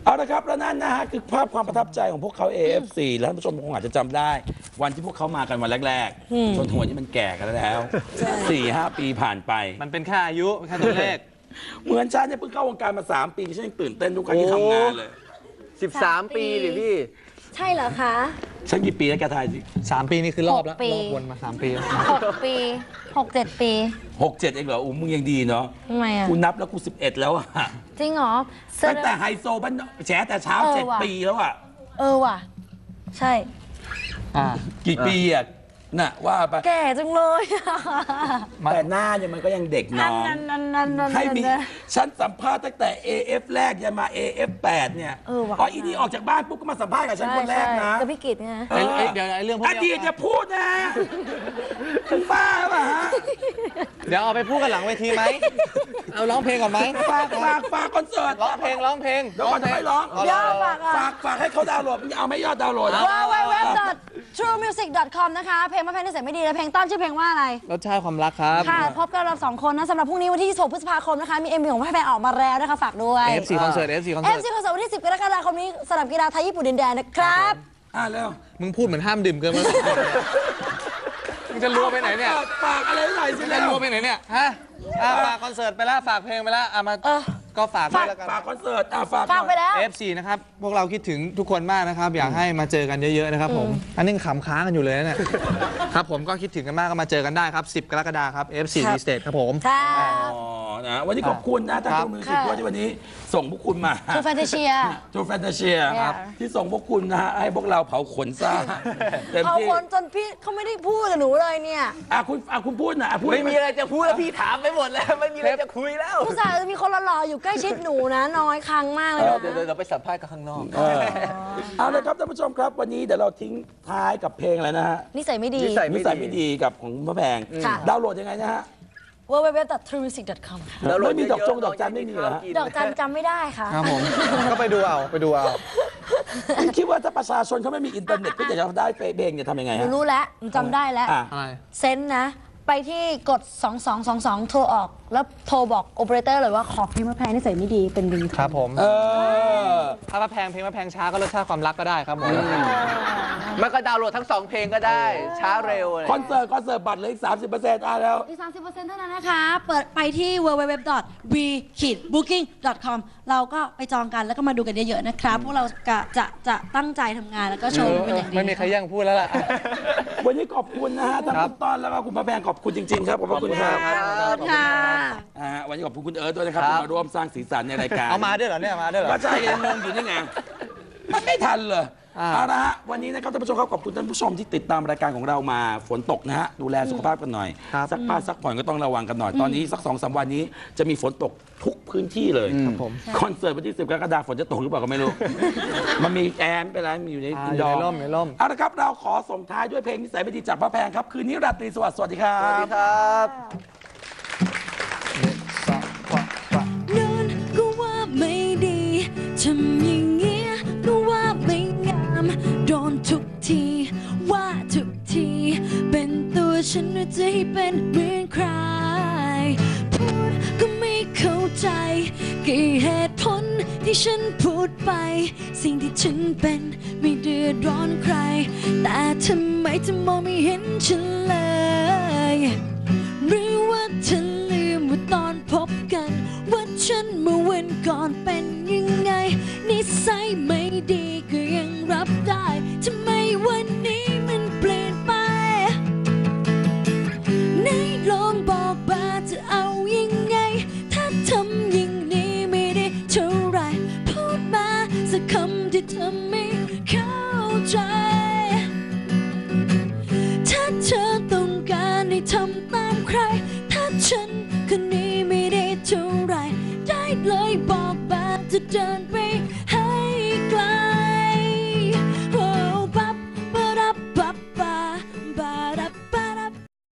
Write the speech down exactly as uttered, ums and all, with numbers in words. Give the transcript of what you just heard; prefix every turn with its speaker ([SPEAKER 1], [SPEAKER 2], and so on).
[SPEAKER 1] เอาละครับแล้วนั่นนะฮะคือภาพความประทับใจของพวกเขา เอ เอฟ ซี แล้วท่านผู้ชมคงอาจจะจำได้ วันที่พวกเขามากันวันแรกๆจนถึงวันนี้มันแก่กันแล้วสี่ห้าปีผ่านไป
[SPEAKER 2] มันเป็นแค่อายุแค่ตัวเลข
[SPEAKER 1] เหมือนฉันเนี่ยเพิ่งเข้าวงการมาสามปีฉันยังตื่นเต้นทุกครั้งที่ทำงานเลย
[SPEAKER 3] สิบสามปีดิพี่
[SPEAKER 4] ใช่เหรอคะ
[SPEAKER 1] ฉันกี่ปีแล้วแกทายสิ
[SPEAKER 2] สามปีนี่คือรอบแล้วรอบวนมาสามปี
[SPEAKER 4] หกปีหกเจ็ดปี
[SPEAKER 1] หกเจ็ดเองเหรออุ้มมึงยังดีเนาะ
[SPEAKER 4] ทำไมอ่ะ
[SPEAKER 1] กูนับแล้วกูสิบเอ็ดแล้วอะ
[SPEAKER 4] จริงเหรอ
[SPEAKER 1] ตั้งแต่ไฮโซบ้านแฉแต่เช้าเจ็ดปีแล้วอะ
[SPEAKER 4] เออว่ะใช่
[SPEAKER 1] อ่ากี่ปีอะน่ะว่าไป
[SPEAKER 4] แก่จังเลย
[SPEAKER 1] แต่หน้าเนี่ยมันก็ยังเด็กน้องให้มีฉันสัมภาษณ์ตั้งแต่ เอ เอฟ แรกยันมา เอ เอฟ แปดเนี่ยอ๋ออีนี่ออกจากบ้านปุ๊บก็มาสัมภาษณ์กับฉันคนแรกนะ
[SPEAKER 4] กับพี่กิตไง
[SPEAKER 2] เดี๋ยวเรื่องพวก
[SPEAKER 1] นี้อดีตจะพูดนะคุณป้าป่ะฮะ
[SPEAKER 2] เดี๋ยวเอาไปพูดกันหลังเวทีไหมเอาร้องเพลงก่อนไหม
[SPEAKER 1] ฝากฝากฝากคอนเสิร์ต
[SPEAKER 2] ร้องเพลงร้องเพลง
[SPEAKER 1] เดี๋ยวก่อนจะไม่ร้องฝากฝากให้เขาดาวน์โหลดเอาไม่ยอดดาวน์โหลด
[SPEAKER 4] ว้าวเว็บ ทรูมิวสิก ดอท คอม นะคะเพลงมะแพงนิสัยไม่ดีและเพลงต้นชื่อเพลงว่าอะไร
[SPEAKER 2] รสชาติความรักครับ
[SPEAKER 4] ค่ะพบกันเราสองคนนะสำหรับพรุ่งนี้วันที่ยี่สิบหกพฤษภาคมนะคะมี เอ็ม วี ของมะแพงออกมาแล้วนะคะฝากด้วย
[SPEAKER 2] เอฟ ซี คอนเสิร์ต เอฟ ซี คอนเสิร์ต
[SPEAKER 4] เอฟ ซี คอนเสิร์ตวันที่สิบกรกฎาคมนี้สนามกีฬาไทยญี่ปุ่นดินแดนนะครับ
[SPEAKER 1] อ่าแล้ว
[SPEAKER 2] มึงพูดเหมือนห้ามดื่มเกินไปมึงจะรัวไปไหนเนี่ย
[SPEAKER 1] ฝากอะไรหน่อยสิ
[SPEAKER 2] จะรัวไปไหนเนี่ยฮะฝากคอนเสิร์ตไปแล้วฝากเพลงไปแล้วเอามาก็ฝากด้วยแล้วกัน
[SPEAKER 1] ฝากคอนเสิร์ตอ่ะฝาก
[SPEAKER 4] ฝากไปแล้ว
[SPEAKER 2] เอฟ ซี นะครับพวกเราคิดถึงทุกคนมากนะครับอยากให้มาเจอกันเยอะๆนะครับผมอันนี้ขำค้างกันอยู่เลยเนี่ยครับผมก็คิดถึงกันมากก็มาเจอกันได้ครับสิบกรกฎาคมครับ เอฟ ซี Stage ครับผม
[SPEAKER 1] อ๋อนะวันนี้ขอบคุณนะทางทูมิวสิกด้วยที่วันนี้ส่งพวกคุณมา
[SPEAKER 4] ทูแฟนตาเชีย
[SPEAKER 1] ทูแฟนตาเชียครับที่ส่งพวกคุณนะฮะให้พวกเราเผาขนซ่า
[SPEAKER 4] เผาขนจนพี่เขาไม่ได้พูดกับหนูเลยเนี่ย
[SPEAKER 1] อ่ะคุณอ่ะคุณพูดนะพูด
[SPEAKER 3] ไม่มีอะไรจะพูดแล้วพี่ถามไปหมดแล้วไม่มีอะไรจะคุยแล้ว
[SPEAKER 4] ผู้ชายจะมีคนหล่อๆอยู่ใกล้ชิดหนูนะน้อยครั้งมากเลยนะ
[SPEAKER 3] เดี๋ยวเราไปสัมภาษณ์กันข้างนอก
[SPEAKER 1] เอาเลยครับท่านผู้ชมครับวันนี้เดี๋ยวเราทิ้งท้ายกับเพลงอะไรนะฮะ
[SPEAKER 4] นิสัยไม่ดี
[SPEAKER 1] นิสัยไม่ดีกับของมะแพงดาวน์โหลดยังไงนะฮะ
[SPEAKER 4] ดับเบิลยู ดับเบิลยู ดับเบิลยู ดอท ทรูมิวสิก ดอท คอม ค่ะ
[SPEAKER 1] ไม่มีดอกจงดอกจันไม่มีเหรอ
[SPEAKER 4] ดอกจันจำไม่ได้ค่ะ
[SPEAKER 2] ครับผมก็ไปดูเอาไปดูเอา
[SPEAKER 1] คิดว่าถ้าประชาชนเขาไม่มีอินเทอร์เน็ตก็จะได้เพลงจะทำยังไงฮะ
[SPEAKER 4] รู้แล้วจำได้แล้วเซนนะไปที่กดสองสองสองสองโทรออกแล้วโทรบอกโอเปอเรเตอร์เลยว่าขอเพลงมะแพงนิสัยไม่ดีเป็นริง
[SPEAKER 2] ครับผม
[SPEAKER 1] เออ
[SPEAKER 2] ถ้ามะแพงเพลงมะแพงช้าก็รสชาติความรักก็ได้ครับผม
[SPEAKER 3] มันก็ดาวน์โหลดทั้งสองเพลงก็ได้ช้าเร็ว
[SPEAKER 1] คอนเสิร์ตคอนเสิร์ตบัตรเหลืออีกสามสิบเปอร์เซ็นต์อ่ะแล้ว
[SPEAKER 4] อีกสามสิบเปอร์เซ็นต์เท่านั้นนะคะเปิดไปที่ ดับเบิลยู ดับเบิลยู ดับเบิลยู ดอท วี บุ๊ กิ้ง ดอท คอม เราก็ไปจองกันแล้วก็มาดูกันเยอะๆนะครับพวกเราจะจะจะตั้งใจทำงานแล้วก็โชว์เป็นอย่างดี
[SPEAKER 2] ไม่มีใครแย่งพูดแล้วล่ะ
[SPEAKER 1] วันนี้ขอบคุณนะฮะทั้งคุณต้อนแล้วก็คุณมะแพงขอบคุณจริงๆครับขอบคุณครับ
[SPEAKER 4] ค่ะ
[SPEAKER 1] วันนี้ขอบคุณคุณเอิร์ธด้วยนะครับที่มาร่วมสร้างสีสันในรายการ
[SPEAKER 2] เอามาด้วยเหรอเนี่ยมาด้วยเหรอ
[SPEAKER 1] ก็ใช่ยังงงอยู่นี่ไงมันไม่ทันเลยเอาละฮะวันนี้นะครับท่านผู้ชมครับขอบคุณท่านผู้ชมที่ติดตามรายการของเรามาฝนตกนะฮะดูแลสุขภาพกันหน่อยซักผ้าซักผ่อนก็ต้องระวังกันหน่อยตอนนี้สักสองสามวันนี้จะมีฝนตกทุกพื้นที่เลยคอนเสิร์ตวันที่สิบกรกฎาคมฝนจะตกหรือเปล่าก็ไม่รู้มันมีแอร์เป็นไรมีอยู่ในอินดอร์
[SPEAKER 2] ร่มในร่ม
[SPEAKER 1] เอาละครับเราขอส่งท้ายด้วยเพลงนิสัยไม่ดีจากมะแพงครับคืนนี้ราตรีสวัสดิ์สวัสดีครับ
[SPEAKER 3] สวัสดีครับ
[SPEAKER 4] นั่นก็ว่าไม่ดีทำอย่างเงี้ยก็ว่าไม่งามโดนทุกทีว่าทุกทีเป็นตัวฉันหรือจะให้เป็นเหมือนใครพูดก็ไม่เข้าใจกี่เหตุผลที่ฉันพูดไปสิ่งที่ฉันเป็นไม่เดือดร้อนใครแต่ทำไมเธอมองไม่เห็นฉันเลยหรือว่าเธอลืมว่าตอนพบกันว่าฉันเมื่อวันก่อนเป็นยังไงนิสัยไม่ดีก็ยังรับได้ทำไมวันนี้มันเปลี่ยนไปไหนลองบอกมาจะเอายังไงถ้าทำอย่างนี้ไม่ได้เท่าไรพูดมาสักคำที่เธอไม่เข้าใจถ้าเธอต้องการให้ทำตามใครถ้าฉันคนนี้ไม่ได้เท่าไรได้เลยบอกมาจะเดินไป